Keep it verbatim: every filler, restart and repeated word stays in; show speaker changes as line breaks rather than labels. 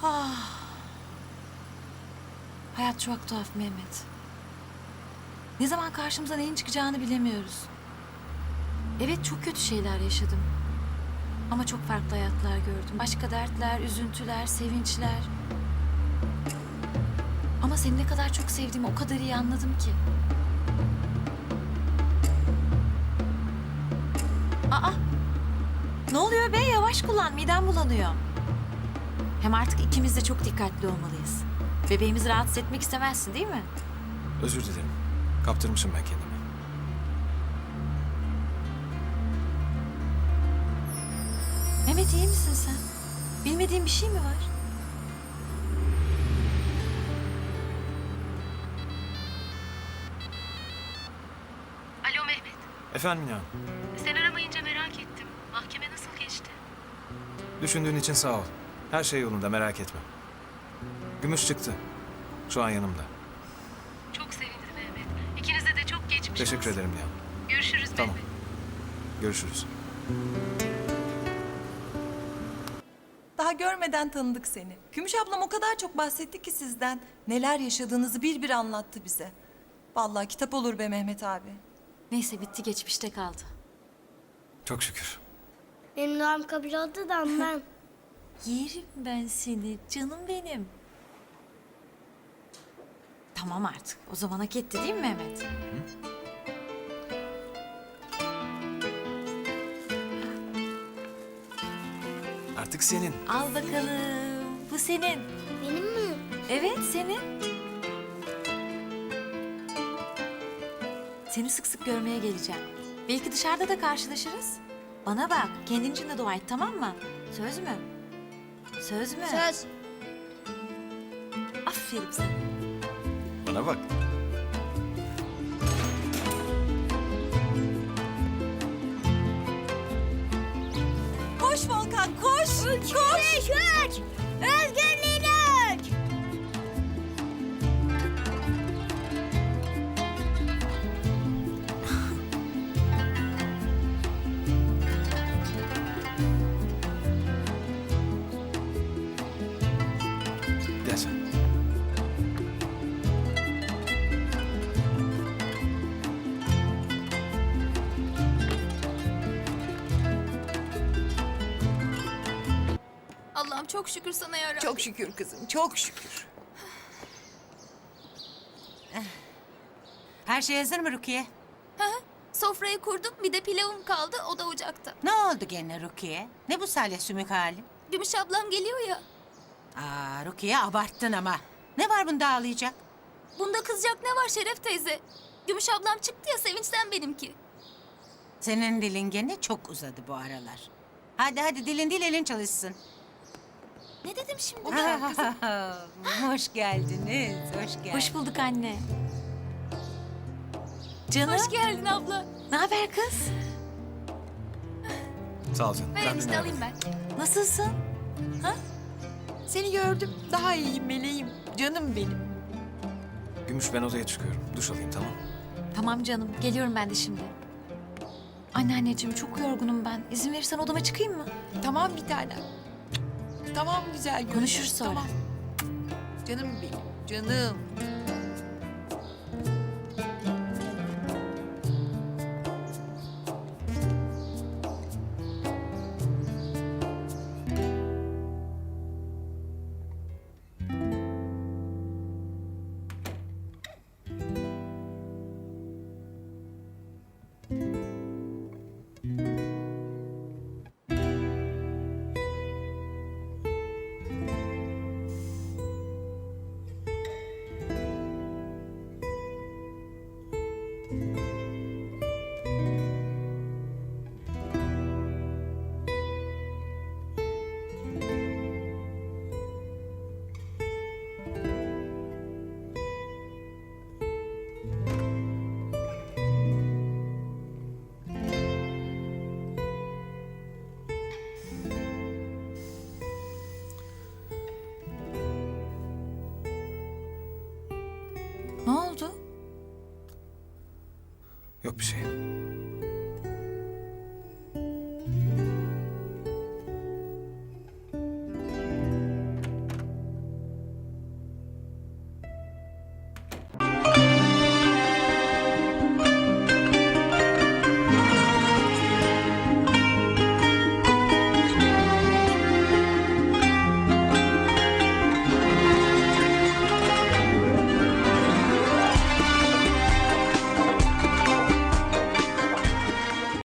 Ah. Hayat çok tuhaf Mehmet. Ne zaman karşımıza neyin çıkacağını bilemiyoruz. Evet, çok kötü şeyler yaşadım. Ama çok farklı hayatlar gördüm. Başka dertler, üzüntüler, sevinçler. Ama seni ne kadar çok sevdiğimi o kadar iyi anladım ki. Aa! Ne oluyor be? Yavaş kullan, midem bulanıyor. Hem artık ikimiz de çok dikkatli olmalıyız. Bebeğimizi rahatsız etmek istemezsin değil mi?
Özür dilerim. Kaptırmışım ben kendimi.
Mehmet, iyi misin sen? Bilmediğin bir şey mi var?
Alo Mehmet.
Efendim ya.
Sen aramayınca merak ettim. Mahkeme nasıl geçti?
Düşündüğün için sağ ol. Her şey yolunda, merak etme. Gümüş çıktı. Şu an yanımda.
Çok sevindim Mehmet. İkinize de çok geçmiş
Teşekkür
olsun.
ederim ya.
Görüşürüz
Tamam.
Mehmet.
Görüşürüz.
Daha görmeden tanıdık seni. Gümüş ablam o kadar çok bahsetti ki sizden. Neler yaşadığınızı bir bir anlattı bize. Vallahi kitap olur be Mehmet abi.
Neyse, bitti, geçmişte kaldı.
Çok şükür.
Benim doğum kabul oldu da ondan.
Yerim ben seni, canım benim. Tamam artık. O zaman hak etti değil mi Mehmet?
Artık senin.
Al bakalım. Bu senin.
Benim mi?
Evet, senin. Seni sık sık görmeye geleceğim. Belki dışarıda da karşılaşırız. Bana bak, kendin için de dua et, tamam mı? Söz mü? Söz mü?
Söz.
Aferin sana.
Bana bak.
Koş Volkan koş.
Üç, beş, üç. Özgürlüğün üç.
Gel sen.
Allah'ım çok şükür sana yarabbim.
Çok şükür kızım, çok şükür. Her şey hazır mı Rukiye?
Sofrayı kurdum, bir de pilavım kaldı, o da ocakta.
Ne oldu gene Rukiye? Ne bu salya sümük hali?
Gümüş ablam geliyor ya.
Aa Rukiye, abarttın ama. Ne var bunda ağlayacak?
Bunda kızacak ne var Şeref teyze? Gümüş ablam çıktı ya, sevinçten benimki.
Senin dilin gene çok uzadı bu aralar. Hadi hadi, dilin değil elin çalışsın.
Ne dedim şimdi?
Hoş geldiniz, hoş geldiniz.
Hoş bulduk anne. Canım,
Hoş geldin abla.
ne haber kız?
Sağ ol canım.
Ver
Ben
işte
dinlerim.
alayım ben.
Nasılsın?
Seni gördüm. Daha iyiyim meleğim. Canım benim.
Gümüş, ben odaya çıkıyorum. Duş alayım, tamam.
Tamam canım, geliyorum ben de şimdi. Anneanneciğim, çok yorgunum ben. İzin verirsen odama çıkayım mı?
Tamam bir tanem. Tamam güzel gönlüm.
Konuşuruz sonra.
Tamam. Canım benim. Canım.
Ne oldu?
Yok bir şey.